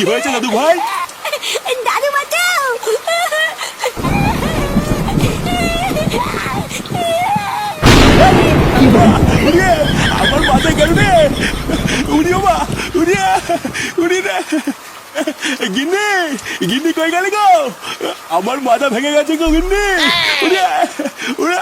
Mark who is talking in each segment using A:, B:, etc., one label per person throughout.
A: হয়েছে দাদু ভাই?
B: দাদু বাঁচাও।
A: উড়িয়ে আমার মাথায় গেল রে। উড়িও মা, উড়িয়ে উড়িয়ে রে। গিন্নি, গিন্নি কই গেলে গো? আমার মাথা ভেঙে গেছে গো গিন্নি। উড়িয়ে উড়া।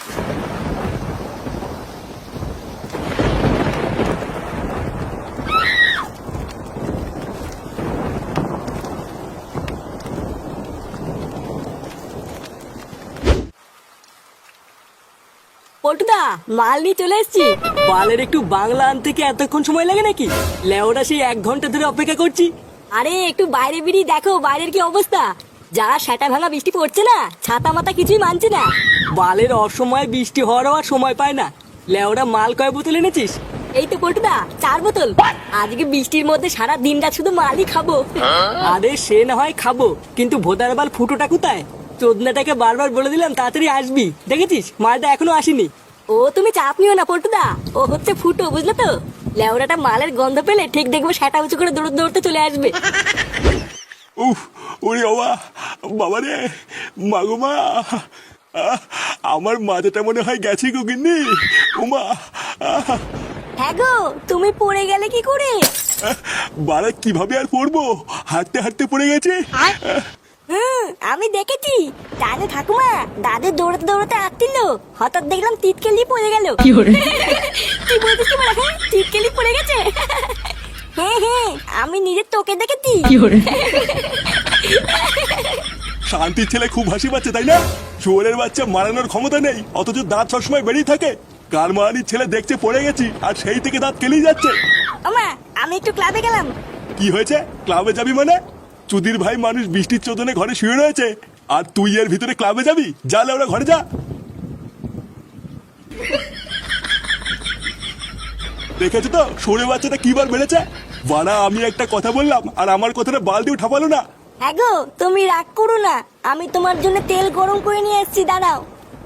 B: পল্টুদা, মাল নিয়ে চলে এসেছি।
C: বালের একটু বাংলা আনতে কি এতক্ষণ সময় লাগে নাকি? লেওরা সেই 1 ঘন্টা ধরে অপেক্ষা করছি।
B: আরে একটু বাইরে বেরিয়ে দেখো বাইরের কি অবস্থা। যা সেটা ভাঙা বৃষ্টি পড়ছে না, ছাতা মাথা কিছুই মানছে না।
C: বালের অসময়ে বৃষ্টি হওয়ারও আর সময় পায় না। লেওরা মাল কয় বোতল এনেছিস?
B: এই তো পল্টুদা, 4 বোতল। আজকে বৃষ্টির মধ্যে সারা দিনটা শুধু মালই খাবো।
C: আরে সে না হয় খাবো, কিন্তু ভোদার বাল ফুটোটা কোথায়? চোদনাটাকে বারবার বলে দিলাম তাড়াতাড়ি আসবি, দেখেছিস মালটা এখনো আসেনি।
B: ও তুমি চাপ নিও না পল্টুদা, ও হচ্ছে ফুটো, বুঝলে তো? লেওরাটা মালের গন্ধ পেলে ঠিক দেখবো সেটা উঁচু করে দৌড়তে দৌড়তে চলে আসবে।
A: উফ, ওরে বাবা, বাবা রে, মাগো মা, আমার মাথাটা মনে হয় গেছে গো গিন্নি। উমা,
B: হ্যাঁ গো, তুমি পড়ে গেলে কি করে?
A: বাড়া কিভাবে আর পড়বো, হাঁটতে হাঁটতে পড়ে গেছে।
B: আমি দেখেছি। জানো ঠাকুমা, দাদু দৌড়াতে দৌড়াতে আসছিল, হঠাৎ দেখলাম তিতকেলি পড়ে গেল। কি বলছিস কি বলা? হ্যাঁ, তিতকেলি পড়ে গেছে। হ্যাঁ হ্যাঁ, আমি নিজের তোকে দেখেছি।
A: শান্তির ছেলে খুব হাসি পাচ্ছে তাই না? চোরের বাচ্চা মারানোর ক্ষমতা নেই, অথচ দাঁত সবসময় বেরিয়ে থাকে। কার মারানির ছেলে দেখছে পড়ে গেছি, আর সেই থেকে দাঁত কেলেই যাচ্ছে।
B: ওমা, আমি একটু ক্লাবে গেলাম।
A: কি হয়েছে? ক্লাবে যাবি মানে? চুদির ভাই মানুষ বৃষ্টির চোদনে ঘরে শুয়ে রয়েছে, আর তুই এর ভিতরে ক্লাবে যাবি? যা ওরা ঘরে যা। দেখেছো তো সরে বাচ্চাটা কিবার বেড়েছে? বাড়া, আমি একটা কথা বললাম আর আমার কথাটা বালতিও ঠাপালো না।
B: হ্যাঁ গো, তুমি রাগ করো না, আমি তোমার জন্য তেল গরম করে নিয়ে এসেছি, দাঁড়াও।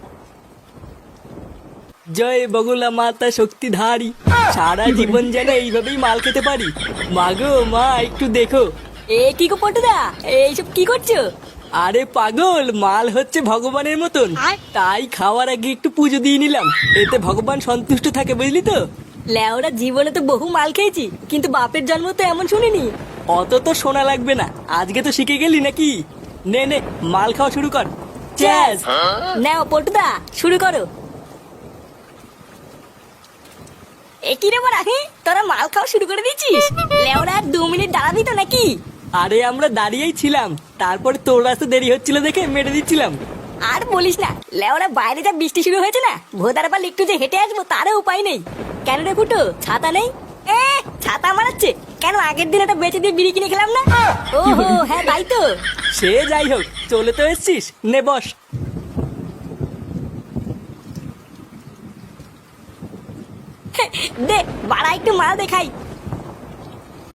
C: জয় বগুলা মাতা শক্তিধারী, সারা জীবন যেন এইভাবেই মাল খেতে পারি। মাগো মা, একটু দেখো।
B: এ কি গো পটুদা, এইসব কি করছো?
C: আরে পাগল, মাল হচ্ছে ভগবানের মতন, তাই খাওয়ার আগে একটু পুজো দিয়ে নিলাম, এতে ভগবান সন্তুষ্ট থাকে, বুঝলি তো?
B: লেওরা জীবনে তো বহু মাল খেয়েছি, কিন্তু বাপের জন্ম তো এমন শুনিনি।
C: অত তো শোনা লাগবে না, আজকে তো শিখে গেলি নাকি? নে নে, মাল খাওয়া শুরু কর। চ্যাস।
B: নাও পটুদা, শুরু করো। এ কি রে বড়া, তোরা মাল খাওয়া শুরু করে দিয়েছিস? লেওরা 2 মিনিট দাঁড়াবি তো নাকি?
C: আরে আমরা দাঁড়িয়েই ছিলাম, তারপরে তোর আসতে দেরি হচ্ছিল দেখে মেরে দিচ্ছিলাম।
B: আর বলিস না, লেওরা বাইরে যা বৃষ্টি শুরু হয়েছে না, ভোদার পাল একটু যে হেঁটে আসবো তারও উপায় নেই। কেন রে ফুটো, ছাতা নেই? ছাতা মারাচ্ছে কেন? আগের দিন একটা বেঁচে দিয়ে বিড়ি কিনে খেলাম না? ও হ্যাঁ, তাই তো।
C: সে যাই হোক, চলে তো এসছিস, নে বস।
B: দে বাড়া, একটু মাল দেখাই।